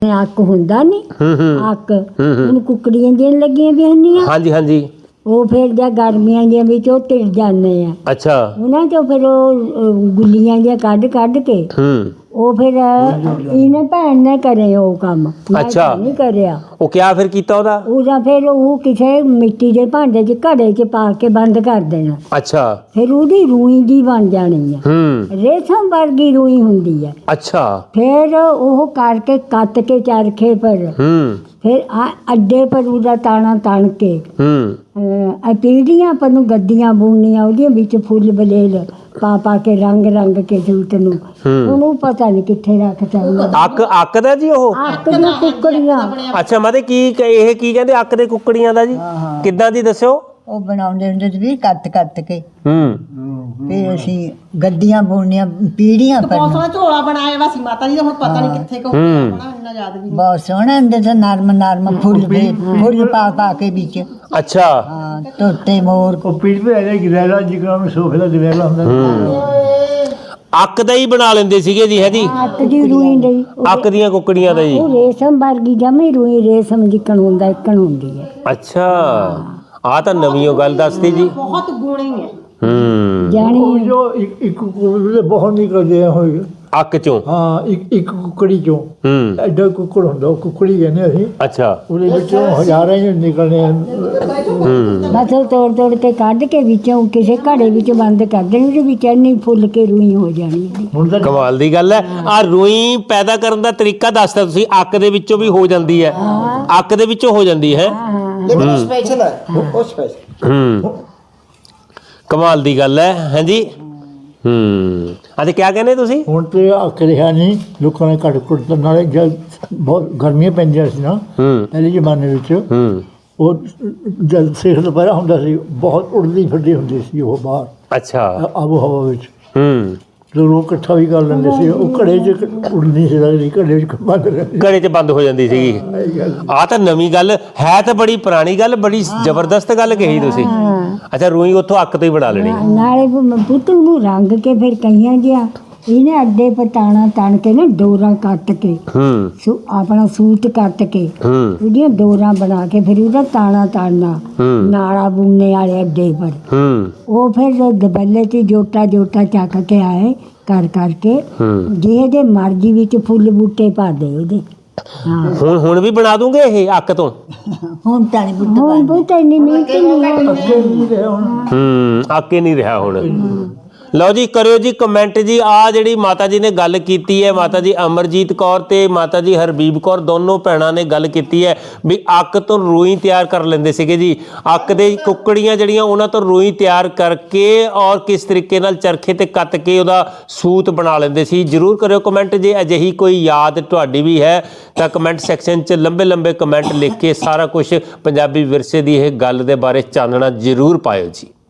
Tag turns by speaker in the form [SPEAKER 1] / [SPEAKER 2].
[SPEAKER 1] ਅੱਕ ਹੁੰਦਾ ਨਹੀਂ ਅੱਕ ਹੁਣ ਕੁੱਕੜੀਆਂ ਦੀਆਂ ਲੱਗੀਆਂ ਵੀ ਹੁੰਦੀਆਂ।
[SPEAKER 2] ਹਾਂਜੀ ਹਾਂਜੀ।
[SPEAKER 1] ਉਹ ਫਿਰ ਜਾਂ ਗਰਮੀਆਂ ਦੀਆਂ ਵਿੱਚ ਉਹ ਤਿੜ ਜਾਂਦੇ ਆ।
[SPEAKER 2] ਅੱਛਾ।
[SPEAKER 1] ਉਹਨਾਂ ਚੋਂ ਫਿਰ ਉਹ ਗੁੱਲੀਆਂ ਜਿਹੀਆਂ ਕੱਢ ਕੱਢ ਕੇ ਉਹ ਫਿਰ ਇਹਨੇ ਭੈਣ ਨੇ ਕਰੇ ਉਹ ਕੰਮ।
[SPEAKER 2] ਅੱਛਾ।
[SPEAKER 1] ਨਹੀਂ ਕਰਿਆ।
[SPEAKER 2] ਉਹ ਕਿਆ ਫਿਰ ਕੀਤਾ ਉਹਦਾ
[SPEAKER 1] ਫਿਰ ਉਹ ਕਿਸੇ ਮਿੱਟੀ ਦੇ ਭਾਂਡੇ 'ਚ ਘੜੇ 'ਚ ਪਾ ਕੇ ਬੰਦ ਕਰ ਦੇਣਾ।
[SPEAKER 2] ਅੱਛਾ।
[SPEAKER 1] ਫਿਰ ਉਹਦੀ ਰੂਈ ਜੀ ਬਣ ਜਾਣੀ ਹੈ। ਰੇਸ਼ਮ ਵਰਗੀ ਰੂਈ ਹੁੰਦੀ ਹੈ।
[SPEAKER 2] ਅੱਛਾ।
[SPEAKER 1] ਫਿਰ ਉਹ ਕਰਕੇ ਕੱਤ ਕੇ ਚਰਖੇ ਪਰ ਫਿਰ ਅੱਡੇ ਪਰ ਉਹਦਾ ਤਾਣਾ ਤਣ ਕੇ ਪੀੜੀਆਂ ਪਰ ਨੂੰ ਗੱਦੀਆਂ ਬੁਣਨੀਆਂ ਉਹਦੇ ਵਿੱਚ ਫੁੱਲ ਬਲੇਲ ਪਾ ਪਾ ਕੇ ਰੰਗ ਰੰਗ ਕੇ ਸੂਟ ਨੂੰ ਉਹਨੂੰ ਪਤਾ ਨਹੀਂ ਕਿੱਥੇ ਰੱਖਤਾ।
[SPEAKER 2] ਅੱਕ ਦਾ ਜੀ ਉਹ
[SPEAKER 1] ਅੱਕ ਦੀਆਂ ਕੁੱਕੜੀਆਂ।
[SPEAKER 2] ਅੱਛਾ ਮਤਲਬ ਕੀ ਇਹ ਕੀ ਕਹਿੰਦੇ ਅੱਕ ਦੇ ਕੁੱਕੜੀਆਂ ਦਾ ਜੀ ਕਿੱਦਾਂ ਦੀ ਦੱਸਿਓ।
[SPEAKER 1] ਉਹ ਬਣਾਉਂਦੇ ਹੁੰਦੇ ਸੀ ਕੱਤ ਕੱਤ ਕੇ ਫਿਰ ਅਸੀਂ ਗੱਦੀਆਂ ਬੁਣਨੀਆਂ ਪੀੜੀਆਂ ਪਰ
[SPEAKER 3] ਬਹੁਤ ਸੋਹਣਾ ਝੋਲਾ ਬਣਾਇਆ ਵਾ ਸੀ ਮਾਤਾ ਜੀ ਦਾ ਹੁਣ ਪਤਾ ਨਹੀਂ ਕਿੱਥੇ ਕੋ ਇੰਨਾ ਯਾਦ ਵੀ
[SPEAKER 1] ਬਹੁਤ ਸੋਹਣਾ ਹੁੰਦੇ ਸੀ ਨਰਮ ਨਰਮ ਫੁੱਲ ਪਾ ਪਾ ਕੇ ਵਿੱਚ।
[SPEAKER 2] ਅੱਛਾ।
[SPEAKER 1] ਹਾਂ ਤੋਤੇ ਮੋਰ
[SPEAKER 4] ਉਹ ਪੀੜ ਤੇ ਆ ਗਰੈਲਾ ਜਿਗਰਾ ਨੂੰ ਸੋਫੇ ਦਾ ਗਰੈਲਾ ਹੁੰਦਾ।
[SPEAKER 2] ਅੱਕ ਦਾ ਹੀ ਬਣਾ ਲੈਂਦੇ ਸੀਗੇ ਜੀ ਹੈ ਜੀ।
[SPEAKER 1] ਅੱਕ ਦੀ ਰੂਈ ਦੀ
[SPEAKER 2] ਅੱਕ ਦੀਆਂ ਕੁੱਕੜੀਆਂ ਦਾ ਜੀ।
[SPEAKER 1] ਉਹ ਰੇਸ਼ਮ ਵਰਗੀ ਜਮੀ ਰੂਈ ਰੇਸ਼ਮ ਜਿੱਕਣ ਹੁੰਦਾ ਇੱਕਣ ਹੁੰਦੀ ਹੈ।
[SPEAKER 2] ਅੱਛਾ ਆ ਤਾਂ ਨਵੀਂ ਉਹ ਗੱਲ ਦੱਸਦੀ ਜੀ।
[SPEAKER 3] ਬਹੁਤ ਗੁਣੀ ਹੈ।
[SPEAKER 1] ਜਾਣੀ
[SPEAKER 4] ਜੋ ਇੱਕ ਕੁੱਕੜੀ ਬਹੁਤ ਨਿਕਲਦੇ ਹੋਏ
[SPEAKER 2] ਅੱਕ ਚੋਂ।
[SPEAKER 4] ਹਾਂ ਇੱਕ ਕੁੱਕੜੀ ਚੋਂ ਐਡਾ ਕੁੱਕੜ ਹੁੰਦਾ ਉਹ ਕੁੱਕੜੀ ਕਹਿੰਦੇ ਅਸੀਂ।
[SPEAKER 2] ਅੱਛਾ।
[SPEAKER 4] ਉਹਦੇ ਵਿੱਚੋਂ ਹਜ਼ਾਰਾਂ ਹੀ ਨਿਕਲਣੇ।
[SPEAKER 1] ਬਸ ਉਹ ਤੋੜ ਤੋੜ ਕੇ ਕੱਢ ਕੇ ਵਿੱਚੋਂ ਕਿਸੇ ਘੜੇ ਵਿੱਚ ਬੰਦ ਕਰ ਦੇਣੀ ਉਹਦੇ ਵਿੱਚ ਇੰਨੀ ਫੁੱਲ ਕੇ ਰੂਈ ਹੋ ਜਾਣੀ।
[SPEAKER 4] ਹੁਣ ਤਾਂ
[SPEAKER 2] ਕਮਾਲ ਦੀ ਗੱਲ ਹੈ। ਆ ਰੂਈ ਪੈਦਾ ਕਰਨ ਦਾ ਤਰੀਕਾ ਦੱਸਦਾ ਤੁਸੀਂ। ਅੱਕ ਦੇ ਵਿੱਚੋਂ ਵੀ ਹੋ ਜਾਂਦੀ ਹੈ। ਅੱਕ ਦੇ ਵਿੱਚੋਂ ਹੋ ਜਾਂਦੀ ਹੈ।
[SPEAKER 5] ਸਪੈਸ਼ਲ ਹੈ ਉਹ ਸਪੈਸ਼ਲ।
[SPEAKER 2] ਕਮਾਲ ਦੀ ਗੱਲ ਹੈ ਹਾਂਜੀ। ਅਤੇ ਕਿਆ ਕਹਿੰਦੇ ਤੁਸੀਂ।
[SPEAKER 4] ਹੁਣ ਤੇ ਅੱਕ ਰਿਹਾ ਨਹੀਂ ਲੋਕਾਂ ਨੇ ਘੱਟ ਘੁੱਟ ਨਾਲੇ ਜਦ ਬਹੁਤ ਗਰਮੀਆਂ ਪੈਂਦੀਆਂ ਸੀ ਨਾ ਪਹਿਲੇ ਜ਼ਮਾਨੇ ਵਿੱਚ ਉਹ ਜਦ ਸਿੱਖ ਦੁਪਹਿਰਾ ਹੁੰਦਾ ਸੀ ਬਹੁਤ ਉੜਦੀ ਫਿਰਦੀ ਹੁੰਦੀ ਸੀ ਉਹ ਬਾਹਰ।
[SPEAKER 2] ਅੱਛਾ।
[SPEAKER 4] ਆਬੋ ਹਵਾ ਵਿੱਚ ਲੋਕ ਇਕੱਠਾ ਵੀ ਕਰ ਲੈਂਦੇ ਸੀ। ਉਹ ਘੜੇ 'ਚ ਉੜਨੀ ਸੀ ਘੜੇ 'ਚ ਬੰਦ ਰਹਿੰਦੀ
[SPEAKER 2] ਘੜੇ 'ਚ ਬੰਦ ਹੋ ਜਾਂਦੀ ਸੀਗੀ। ਆਹ ਤਾਂ ਨਵੀਂ ਗੱਲ ਹੈ ਤਾਂ ਬੜੀ ਪੁਰਾਣੀ ਗੱਲ ਬੜੀ ਜ਼ਬਰਦਸਤ ਗੱਲ ਕਹੀ ਤੁਸੀਂ। ਅੱਛਾ ਰੂਈ ਉੱਥੋਂ ਅੱਕ ਤੋਂ ਹੀ ਬਣਾ ਲੈਣੀ।
[SPEAKER 1] ਨਾਲੇ ਪੁੱਤ ਨੂੰ ਰੰਗ ਕੇ ਫਿਰ ਕਈਆਂ ਜਿਹਾ ਇਹਨੇ ਅੱਡੇ ਪਰ ਤਾਣਾ ਤਣ ਕੇ ਨਾ ਡੋਰਾਂ ਕੱਟ ਕੇ ਆਪਣਾ ਸੂਟ ਕੱਟ ਕੇ ਉਹਦੀਆਂ ਡੋਰਾਂ ਬਣਾ ਕੇ ਫਿਰ ਉਹਦਾ ਤਾਣਾ ਤਾਣਾ ਨਾਲਾ ਬੁਣਨੇ ਵਾਲੇ ਅੱਡੇ ਪਰ ਉਹ ਫਿਰ ਦਬੱਲੇ 'ਚ ਜੋਟਾ ਜੋਟਾ ਚੱਕ ਕੇ ਆਏ ਕਰ ਕਰਕੇ ਜਿਹਦੇ ਮਰਜ਼ੀ ਵਿੱਚ ਫੁੱਲ ਬੂਟੇ ਪਾ ਦੇ ਉਹਦੇ।
[SPEAKER 2] ਹੁਣ ਵੀ ਬਣਾ ਦੂੰਗੇ ਇਹ ਅੱਕ ਤੋਂ।
[SPEAKER 1] ਹੁਣ ਤਾਂ ਨਹੀਂ ਬੁੱਤ ਹੁਣ ਬੁੱਤ ਇੰਨੀ ਮਿਹਨਤ ਨਹੀਂ
[SPEAKER 2] ਅੱਕੇ ਨਹੀਂ ਰਿਹਾ ਹੁਣ। ਲਓ ਜੀ ਕਰਿਓ ਜੀ ਕਮੈਂਟ ਜੀ। ਆ ਜਿਹੜੀ ਮਾਤਾ ਜੀ ਨੇ ਗੱਲ ਕੀਤੀ ਹੈ ਮਾਤਾ ਜੀ ਅਮਰਜੀਤ ਕੌਰ ਤੇ ਮਾਤਾ ਜੀ ਹਰਬੀਬ ਕੌਰ ਦੋਨੋਂ ਭੈਣਾਂ ਨੇ ਗੱਲ ਕੀਤੀ ਹੈ ਵੀ ਅੱਕ ਤੋਂ ਰੂਈ ਤਿਆਰ ਕਰ ਲੈਂਦੇ ਸੀਗੇ ਜੀ। ਅੱਕ ਦੇ ਕੁੱਕੜੀਆਂ ਜਿਹੜੀਆਂ ਉਹਨਾਂ ਤੋਂ ਰੂਈ ਤਿਆਰ ਕਰਕੇ ਔਰ ਕਿਸ ਤਰੀਕੇ ਨਾਲ ਚਰਖੇ ਤੇ ਕੱਤ ਕੇ ਉਹਦਾ ਸੂਤ ਬਣਾ ਲੈਂਦੇ ਸੀ। ਜ਼ਰੂਰ ਕਰਿਓ ਕਮੈਂਟ ਜੇ ਅਜਿਹੀ ਕੋਈ ਯਾਦ ਤੁਹਾਡੀ ਵੀ ਹੈ ਤਾਂ ਕਮੈਂਟ ਸੈਕਸ਼ਨ 'ਚ ਲੰਬੇ ਲੰਬੇ ਕਮੈਂਟ ਲਿਖ ਕੇ ਸਾਰਾ ਕੁਝ ਪੰਜਾਬੀ ਵਿਰਸੇ ਦੀ ਇਹ ਗੱਲ ਦੇ ਬਾਰੇ ਚਾਨਣਾ ਜ਼ਰੂਰ ਪਾਇਓ ਜੀ।